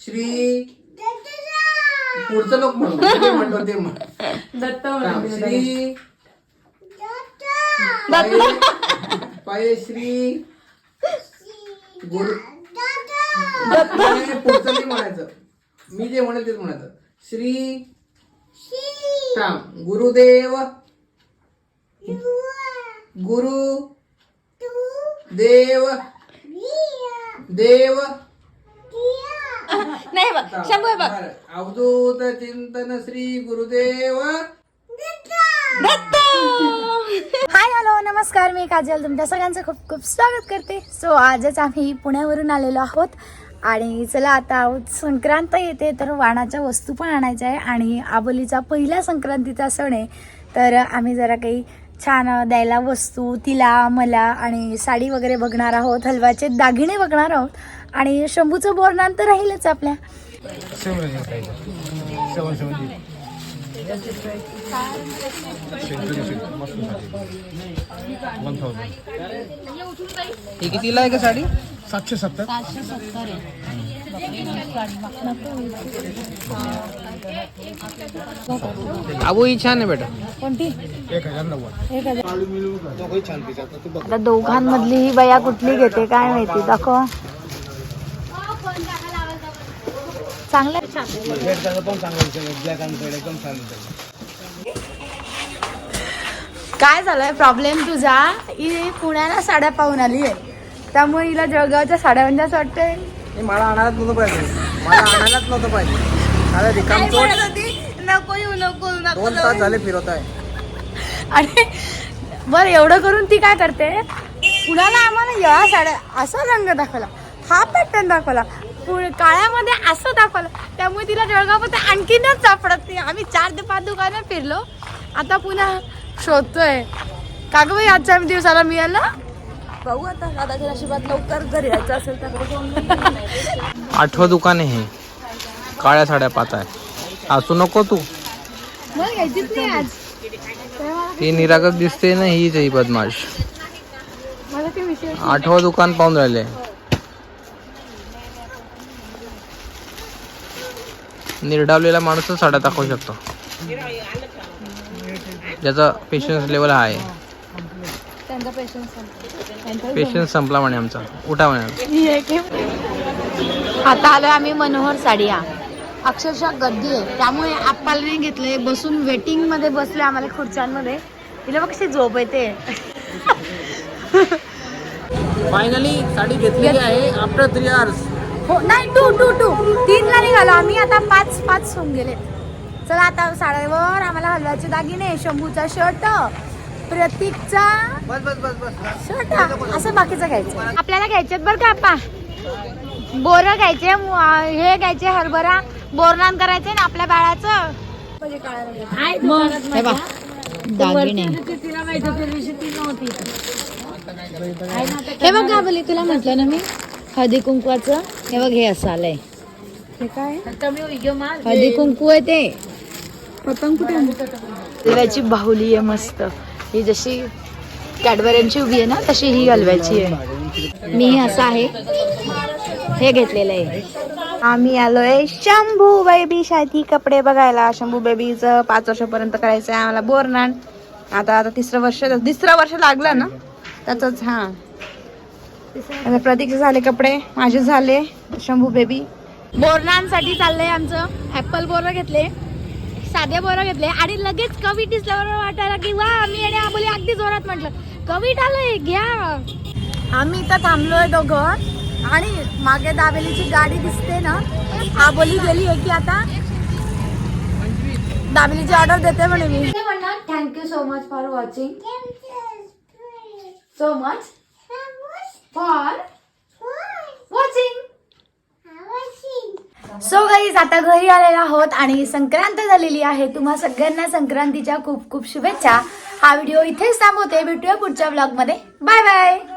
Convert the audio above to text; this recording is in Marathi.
श्री पुढचं लोक म्हणतो ते दत्त श्री पाय श्री गुरु पुढचं नाही म्हणायचं, मी जे म्हणेल तेच म्हणायचं. श्री गुरुदेव गुरु देव देव नाही बघ शंभू बघ. अवधूत चिंतन श्री गुरुदेव दत्त. हाय हॅलो नमस्कार, मी काजल तुमच्या सगळ्यांचं खूप खूप स्वागत करते. सो आजच आम्ही पुण्यावरून आलेलो आहोत आणि चला आता संक्रांत येते तर वाणाच्या वस्तू पण आणायच्या आहे आणि आबोलीचा पहिला संक्रांतीचा सण आहे, तर आम्ही जरा काही छान द्यायला वस्तू तिला मला आणि साडी वगैरे बघणार आहोत, हलव्याचे दागिने बघणार आहोत आणि शंभूचं बोरनान तर राहीलच आपल्या. ही कितीला आहे का साडी? 770. आबू ही छान आहे बेटा. कोणती? 1090. आता दोघांमधली ही बया कुठली घेते काय माहिती, दाखव. चांगलं काय झालंय प्रॉब्लेम तुझा, ही पुण्याला साड्या पाहून आली आहे त्यामुळे हिला जळगावच्या साड्या म्हणजे असं वाटतंय मला आणायलाच नव्हतं पाहिजे, मला आणायलाच नव्हतं पाहिजे. अरे रिकाम नको येऊ नको 2 तास झाले फिरवत आहे. आणि बरं एवढं करून ती काय करते, पुण्याला आम्हाला या साड्या असा रंग दाखवला, हा पॅटर्न दाखवला, काळ्यामध्ये असं दाखवलं, त्यामुळे तिला जळगावमध्ये आणखीनच सापडत नाही. आम्ही 4 ते 5 दुकानं फिरलो, आता पुन्हा शोधतोय. का गं बाई आजच्या दिवसाला मिळालं, बघू आता दादाच्या नशिबात लवकर घरी यायचं असेल तर. 8वं दुकान आहे हे, काळ्या साड्या पाहत आहे. असू नको तू, मला घ्यायचीच नाही आज. ती निरागस दिसते ना, हीच आहे बदमाश. मला ते विषय 8वं दुकान पाहून राहिले. निर्डावलेला माणूसच साड्या दाखवू शकतो, ज्याचा पेशन्स लेवल आहे. त्यांचा पेशन्स संपला म्हणे आमचा, उठा म्हणे. आता आलोय आम्ही मनोहर साडिया, अक्षरशः गर्दी आहे त्यामुळे आपल्याला नाही घेतलंय, बसून वेटिंग मध्ये बसले आम्हाला खुर्च्यांमध्ये. तिला बघ कशी झोप येते. फायनली साडी घेतलेली आहे आफ्टर 3 hours. हो नाही 2 3ला निघालो आम्ही, आता 5 होऊन गेले. चला आता साड्यावर आम्हाला हलव्याचे दागिने, शंभूचा शर्ट, प्रतीकचा बस बस बस बस शर्ट, असं बाकीचं घ्यायचं. आपल्याला घ्यायचेत बरं का आपा, बोरं घ्यायचे, हे घ्यायचे हरभरा, बोरनान करायचे ना आपल्या बाळाचं. दागिने हे बघ गाबली, तुला म्हटलं ना मी हळदी कुंकवाचं. हे बघ हे असं आलंय, हे काय हळदी कुंकू आहे ते. पतंग कुठे, हलव्याची बाहुली आहे मस्त, ही जशी कॅडबऱ्यांची उभी आहे ना तशी ही हलव्याची आहे. मी असं आहे हे घेतलेलं आहे. आम्ही आलोय शंभू बेबी साठी कपडे बघायला. शंभू बेबीचं 5 वर्षापर्यंत करायचं आहे आम्हाला बोरनान. आता 3रं वर्ष लागलं ना त्याच. हा आता प्रतीकचे झाले कपडे, माझे झाले. शंभू बेबी बोरनांसाठी चाललंय आमचं. ऍपल बोरं घेतले, साधे बोरं घेतले आणि लगेच कवीट दिसल्यावर वाटायला की वा, मी आणि आबोली अगदी जोरात म्हटलं कवीट आलंय घ्या. आम्ही इथं थांबलोय दोघं आणि मागे दाबेलीची गाडी दिसते ना, आबोली गेली आहे की आता दाबेलीची ऑर्डर देते म्हणे. मी म्हणणार thank you so much for watching, so much for watching. So guys आता घरी आलेलो आहोत आणि संक्रांत झालेली आहे. तुम्हा सगळ्यांना संक्रांतीच्या खूप खूप शुभेच्छा. हा व्हिडिओ इथेच थांबवते, भेटूया पुढच्या ब्लॉग मध्ये. Bye bye.